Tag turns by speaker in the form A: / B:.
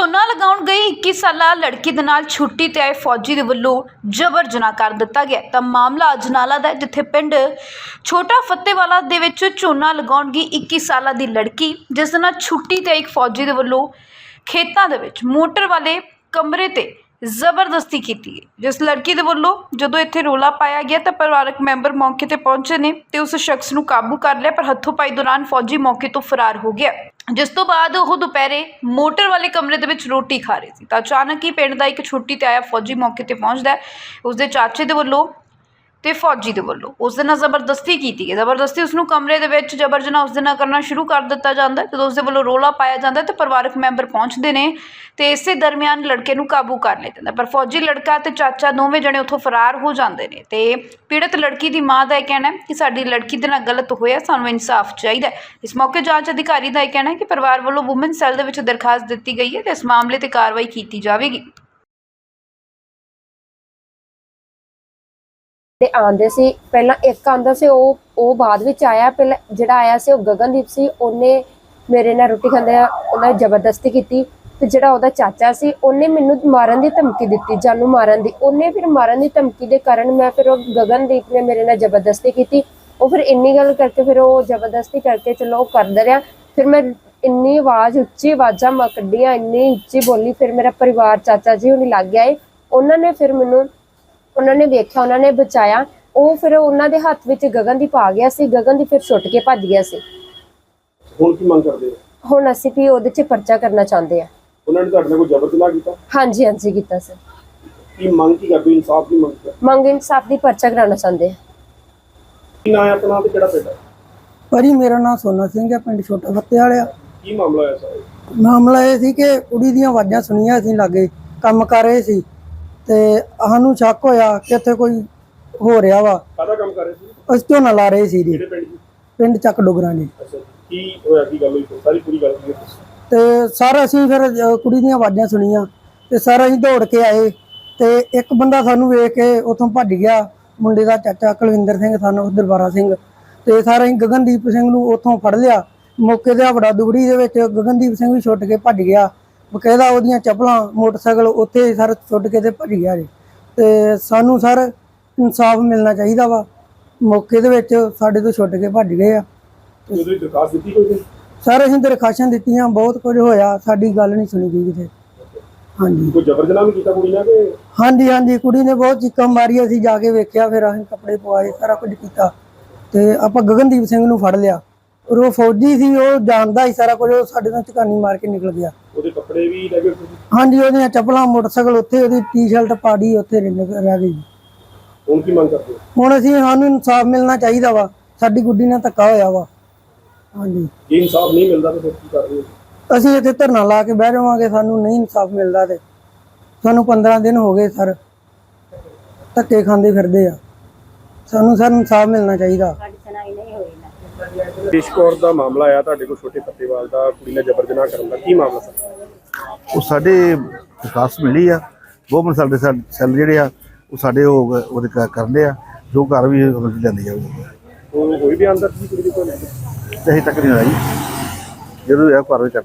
A: ਝੋਨਾ ਲਗਾਉਣ ਗਈ 21 ਸਾਲਾ ਲੜਕੀ ਦੇ ਨਾਲ ਛੁੱਟੀ ਤੇ ਆਏ ਫੌਜੀ ਦੇ ਵੱਲੋਂ ਜਬਰ ਜਨਾਹ ਕਰ ਦਿੱਤਾ ਗਿਆ। ਤਾਂ ਮਾਮਲਾ ਅਜਨਾਲਾ ਦਾ ਹੈ, ਜਿੱਥੇ ਪਿੰਡ ਛੋਟਾ ਫੱਤੇਵਾਲਾ ਦੇ ਵਿੱਚ ਝੋਨਾ ਲਗਾਉਣ ਗਈ 21 ਸਾਲਾਂ ਦੀ ਲੜਕੀ, ਜਿਸ ਦੇ ਨਾਲ ਛੁੱਟੀ ਤੇ ਇੱਕ ਫੌਜੀ ਦੇ ਵੱਲੋਂ ਖੇਤਾਂ ਦੇ ਵਿੱਚ ਮੋਟਰ ਵਾਲੇ ਕਮਰੇ ਤੇ ਜ਼ਬਰਦਸਤੀ ਕੀਤੀ ਗਈ। ਜਿਸ ਲੜਕੀ ਦੇ ਵੱਲੋਂ ਜਦੋਂ ਇੱਥੇ ਰੋਲਾ ਪਾਇਆ ਗਿਆ ਤਾਂ ਪਰਿਵਾਰਕ ਮੈਂਬਰ ਮੌਕੇ ਤੇ ਪਹੁੰਚੇ ਨੇ ਤੇ ਉਸ ਸ਼ਖਸ ਨੂੰ ਕਾਬੂ ਕਰ ਲਿਆ, ਪਰ ਹੱਥੋਂ ਪਾਈ ਦੌਰਾਨ ਫੌਜੀ ਮੌਕੇ ਤੋਂ ਫਰਾਰ ਹੋ ਗਿਆ। ਜਿਸ ਤੋਂ ਬਾਅਦ ਉਹ ਦੁਪਹਿਰੇ ਮੋਟਰ ਵਾਲੇ ਕਮਰੇ ਦੇ ਵਿੱਚ ਰੋਟੀ ਖਾ ਰਹੇ ਸੀ ਤਾਂ ਅਚਾਨਕ ਹੀ ਪਿੰਡ ਦਾ ਇੱਕ ਛੁੱਟੀ ਤੇ ਆਇਆ ਫੌਜੀ ਮੌਕੇ ਤੇ ਪਹੁੰਚਦਾ ਹੈ। ਉਸਦੇ ਚਾਚੇ ਦੇ ਵੱਲੋਂ ਤੇ ਫੌਜੀ ਦੇ ਵੱਲੋਂ ਉਸ ਦੇ ਨਾਲ ਜ਼ਬਰਦਸਤੀ ਕੀਤੀ ਗਈ। ਜ਼ਬਰਦਸਤੀ ਉਸ ਨੂੰ ਕਮਰੇ ਦੇ ਵਿੱਚ ਜਬਰ ਜਨਾਹ ਉਸ ਦੇ ਨਾਲ ਕਰਨਾ ਸ਼ੁਰੂ ਕਰ ਦਿੱਤਾ ਜਾਂਦਾ ਹੈ। ਜਦੋਂ ਉਸ ਦੇ ਵੱਲੋਂ ਰੋਲਾ ਪਾਇਆ ਜਾਂਦਾ ਤੇ ਪਰਿਵਾਰਕ ਮੈਂਬਰ ਪਹੁੰਚਦੇ ਨੇ ਤੇ ਇਸੇ ਦਰਮਿਆਨ ਲੜਕੇ ਨੂੰ ਕਾਬੂ ਕਰ ਲਿਆ ਜਾਂਦਾ, ਪਰ ਫੌਜੀ ਲੜਕਾ ਤੇ ਚਾਚਾ ਦੋਵੇਂ ਜਣੇ ਉੱਥੋਂ ਫਰਾਰ ਹੋ ਜਾਂਦੇ ਨੇ। ਤੇ ਪੀੜਤ ਲੜਕੀ ਦੀ ਮਾਂ ਦਾ ਇਹ ਕਹਿਣਾ ਹੈ ਕਿ ਸਾਡੀ ਲੜਕੀ ਦੇ ਨਾਲ ਗਲਤ ਹੋਇਆ, ਸਾਨੂੰ ਇਨਸਾਫ ਚਾਹੀਦਾ ਹੈ। ਇਸ ਮੌਕੇ ਜਾਂਚ ਅਧਿਕਾਰੀ ਦਾ ਇਹ ਕਹਿਣਾ ਹੈ ਕਿ ਪਰਿਵਾਰ ਵੱਲੋਂ ਵੂਮਨ ਸੈੱਲ ਦੇ ਵਿੱਚ ਦਰਖਾਸਤ ਦਿੱਤੀ ਗਈ ਹੈ ਤੇ ਇਸ ਮਾਮਲੇ ਤੇ ਕਾਰਵਾਈ ਕੀਤੀ ਜਾਵੇਗੀ।
B: ਤੇ ਆਂਦੇ ਸੀ ਪਹਿਲਾਂ ਇੱਕ ਆਂਦਾ ਸੀ, ਉਹ ਬਾਅਦ ਵਿੱਚ ਆਇਆ। ਪਹਿਲਾਂ ਜਿਹੜਾ ਆਇਆ ਸੀ ਉਹ ਗਗਨਦੀਪ ਸੀ, ਉਹਨੇ ਮੇਰੇ ਨਾਲ ਰੋਟੀ ਖਾਂਦੇ ਉਹਨਾਂ ਜ਼ਬਰਦਸਤੀ ਕੀਤੀ। ਤੇ ਜਿਹੜਾ ਉਹਦਾ ਚਾਚਾ ਸੀ ਉਹਨੇ ਮੈਨੂੰ ਮਾਰਨ ਦੀ ਧਮਕੀ ਦਿੱਤੀ, ਜਾਨੂ ਮਾਰਨ ਦੀ। ਉਹਨੇ ਫਿਰ ਮਾਰਨ ਦੀ ਧਮਕੀ ਦੇ ਕਾਰਨ ਮੈਂ ਫਿਰ ਉਹ ਗਗਨਦੀਪ ਨੇ ਮੇਰੇ ਨਾਲ ਜ਼ਬਰਦਸਤੀ ਕੀਤੀ। ਉਹ ਫਿਰ ਇੰਨੀ ਗੱਲ ਕਰਕੇ ਫਿਰ ਉਹ ਜ਼ਬਰਦਸਤੀ ਕਰਕੇ ਚਲੋ ਉਹ ਕਰਦਾ ਰਿਹਾ। ਫਿਰ ਮੈਂ ਇੰਨੀ ਆਵਾਜ਼ ਉੱਚੀ ਆਵਾਜ਼ਾਂ ਮੈਂ ਕੱਢੀਆਂ, ਇੰਨੀ ਉੱਚੀ ਬੋਲੀ। ਫਿਰ ਮੇਰਾ ਪਰਿਵਾਰ ਚਾਚਾ ਜੀ ਹੁਣੀ ਲੱਗ ਗਿਆ ਏ, ਉਹਨਾਂ ਨੇ ਫਿਰ ਮੈਨੂੰ ਉਹਨਾਂ ਨੇ ਵੇਖਿਆ, ਉਹਨਾਂ ਨੇ ਬਚਾਇਆ। ਉਹ ਫਿਰ ਉਹਨਾਂ ਦੇ ਹੱਥ ਵਿੱਚ ਗਗਨਦੀਪ ਆ ਗਿਆ ਸੀ, ਗਗਨਦੀਪ ਫਿਰ ਛੁੱਟ ਕੇ ਭੱਜ ਗਿਆ ਸੀ।
C: ਹੁਣ ਕੀ ਮੰਗ ਕਰਦੇ ਹੋ?
B: ਹੁਣ ਅਸੀਂ ਵੀ ਉਹਦੇ 'ਚ ਪਰਚਾ ਕਰਨਾ ਚਾਹੁੰਦੇ ਆ।
C: ਉਹਨਾਂ ਨੇ ਤੁਹਾਡੇ ਨਾਲ ਕੋਈ ਜ਼ਬਰ ਜਨਾਹ ਕੀਤਾ?
B: ਹਾਂਜੀ ਹਾਂਜੀ ਕੀਤਾ ਸਰ।
C: ਕੀ ਮੰਗ ਕੀ ਕਰਦੇ ਹੋ? ਇਨਸਾਫ ਦੀ ਮੰਗ ਕਰਦੇ?
B: ਮੰਗ ਇਨਸਾਫ ਦੀ ਪਰਚਾ ਕਰਾਉਣਾ ਚਾਹੁੰਦੇ ਆ।
C: ਕੀ ਨਾਂ ਹੈ ਆਪਣਾ ਤੇ ਕਿਹੜਾ ਪਿੰਡ ਹੈ?
D: ਭਾਜੀ ਮੇਰਾ ਨਾਮ ਸੋਨਾ ਸਿੰਘ ਹੈ, ਪਿੰਡ ਛੋਟਾ ਫੱਤੇਵਾਲਾ।
C: ਕੀ ਮਾਮਲਾ ਹੋਇਆ ਸਰ?
D: ਮਾਮਲਾ ਇਹ ਸੀ ਕਿ ਕੁੜੀ ਦੀਆਂ ਆਵਾਜ਼ਾਂ ਸੁਣੀਆਂ, ਅਸੀਂ ਲਾਗੇ ਕੰਮ ਕਰ ਰਹੇ ਸੀ ਤੇ ਸਾਨੂੰ ਸ਼ੱਕ ਹੋਇਆ ਕਿ ਇੱਥੇ ਕੋਈ ਹੋ ਰਿਹਾ ਵਾ।
C: ਕਾਹਦਾ ਕੰਮ ਕਰ ਰਹੇ ਸੀ?
D: ਅਸੀਂ ਝੋਨਾ ਲਾ ਰਹੇ ਸੀ ਜੀ,
C: ਕਿਹੜੇ ਪਿੰਡ ਦੀ?
D: ਪਿੰਡ ਚੱਕ ਡੋਗਰਾਂ ਜੀ।
C: ਅੱਛਾ, ਕੀ ਹੋਇਆ, ਕੀ ਗੱਲ ਹੋਈ? ਸਾਰੀ ਪੂਰੀ ਗੱਲ ਕੀ ਹੈ?
D: ਤੇ ਸਰ ਅਸੀਂ ਫਿਰ ਕੁੜੀ ਦੀਆਂ ਆਵਾਜ਼ਾਂ ਸੁਣੀਆਂ ਤੇ ਸਰ ਅਸੀਂ ਦੌੜ ਕੇ ਆਏ ਤੇ ਇੱਕ ਬੰਦਾ ਸਾਨੂੰ ਵੇਖ ਕੇ ਉੱਥੋਂ ਭੱਜ ਗਿਆ, ਮੁੰਡੇ ਦਾ ਚਾਚਾ ਕੁਲਵਿੰਦਰ ਸਿੰਘ, ਸਾਨੂੰ ਦਰਬਾਰਾ ਸਿੰਘ। ਤੇ ਸਰ ਅਸੀਂ ਗਗਨਦੀਪ ਸਿੰਘ ਨੂੰ ਉੱਥੋਂ ਫੜ ਲਿਆ। ਮੌਕੇ ਤੇ ਹਵੜਾ ਦੁਗੜੀ ਦੇ ਵਿੱਚ ਗਗਨਦੀਪ ਸਿੰਘ ਵੀ ਛੁੱਟ ਕੇ ਭੱਜ ਗਿਆ। ਬਕਾਇਦਾ ਉਹਦੀਆਂ ਚੱਪਲਾਂ ਮੋਟਰਸਾਈਕਲ ਉੱਥੇ ਸਰ ਛੁੱਟ ਕੇ ਤੇ ਭੱਜ ਗਿਆ ਜੀ। ਤੇ ਸਾਨੂੰ ਸਰ ਇਨਸਾਫ ਮਿਲਣਾ ਚਾਹੀਦਾ ਵਾ। ਮੌਕੇ ਦੇ ਵਿੱਚ ਸਾਡੇ ਤੋਂ ਛੁੱਟ ਕੇ ਭੱਜ ਗਏ ਆ।
C: ਤੁਸੀਂ ਦਰਖਾਸਤ ਦਿੱਤੀ ਕੋਈ?
D: ਸਰ ਅਸੀਂ ਦਰਖਾਸ਼ਾਂ ਦਿੱਤੀਆਂ, ਬਹੁਤ ਕੁਝ ਹੋਇਆ, ਸਾਡੀ ਗੱਲ ਨਹੀਂ ਸੁਣੀ ਗਈ ਕਿਤੇ। ਹਾਂਜੀ,
C: ਕੋਈ ਜ਼ਬਰ ਜਨਾਹ ਵੀ ਕੀਤਾ ਕੁੜੀ ਨਾਲ ਕਿ?
D: ਹਾਂਜੀ ਹਾਂਜੀ, ਕੁੜੀ ਨੇ ਬਹੁਤ ਚੀਕਾਂ ਮਾਰੀਆਂ, ਅਸੀਂ ਜਾ ਕੇ ਵੇਖਿਆ, ਫਿਰ ਅਸੀਂ ਕੱਪੜੇ ਪਵਾਏ, ਸਾਰਾ ਕੁਝ ਕੀਤਾ ਤੇ ਆਪਾਂ ਗਗਨਦੀਪ ਸਿੰਘ ਨੂੰ ਫੜ ਲਿਆ। ਔਰ ਉਹ ਫੌਜੀ ਸੀ, ਉਹ ਜਾਣਦਾ ਹੀ ਸਾਰਾ ਕੁਝ। ਉਹ ਸਾਡੇ ਤੋਂ ਝਕਾਨੀ ਮਾਰ ਕੇ ਨਿਕਲ ਗਿਆ।
C: ਉਹਦੇ ਕੱਪੜੇ ਵੀ ਲੈ ਗਏ?
D: ਹਾਂਜੀ, ਉਹਦੀਆਂ ਚੱਪਲਾਂ, ਮੋਟਰਸਾਈਕਲ ਉੱਥੇ, ਉਹਦੀ ਟੀ-ਸ਼ਰਟ ਪਾੜੀ ਉੱਥੇ ਰਹਿ ਗਈ।
C: ਹੁਣ ਕੀ ਮੰਗ ਕਰਦੇ ਹੋ?
D: ਹੁਣ ਸਾਨੂੰ ਇਨਸਾਫ ਮਿਲਣਾ ਚਾਹੀਦਾ ਵਾ, ਸਾਡੀ ਗੁੱਡੀ ਨਾਲ ਧੱਕਾ ਹੋਇਆ ਵਾ। ਹਾਂਜੀ,
C: ਜੇ ਇਨਸਾਫ ਨਹੀਂ ਮਿਲਦਾ ਤਾਂ ਫਿਰ ਕੀ ਕਰਦੇ ਹੋ?
D: ਅਸੀਂ ਇੱਥੇ ਧਰਨਾ ਲਾ ਕੇ ਬਹਿ ਜਾਵਾਂਗੇ। ਸਾਨੂੰ ਨਹੀਂ ਇਨਸਾਫ ਮਿਲਦਾ ਤੇ ਸਾਨੂੰ 15 ਦਿਨ ਹੋ ਗਏ ਸਰ ਧੱਕੇ ਖਾਂਦੇ ਫਿਰਦੇ ਆ। ਸਾਨੂੰ ਸਰ ਇਨਸਾਫ ਮਿਲਣਾ ਚਾਹੀਦਾ।
C: ਦੇਸ਼ ਕੌਰ ਦਾ ਮਾਮਲਾ ਆਇਆ ਤੁਹਾਡੇ ਕੋਲ, ਛੋਟੇ ਫੱਤੇਵਾਲ ਦਾ, ਕੁੜੀ ਨਾਲ ਜ਼ਬਰ ਜਨਾਹ ਕਰਨ ਦਾ, ਕੀ ਮਾਮਲਾ ਸਰ?
E: ਉਹ ਸਾਡੇ ਦਰਖਾਸਤ ਮਿਲੀ ਆ, ਗਵਰਨਮੈਂਟ ਸਾਡੇ ਸੈੱਲ ਜਿਹੜੇ ਆ ਉਹ ਸਾਡੇ ਉਹਦੇ ਕਰਦੇ ਆ, ਜੋ ਘਰ ਵੀ ਲੈਂਦੀ ਜਾਊਗੀ।
C: ਉਹ ਕੋਈ ਵੀ ਅੰਦਰ ਸੀ ਕੁੜੀ ਦੇ ਕੋਲ?
E: ਤੇ ਅਜੇ ਤੱਕ ਨਹੀਂ ਆਈ, ਜਦੋਂ ਇਹ ਘਰ ਵਿੱਚ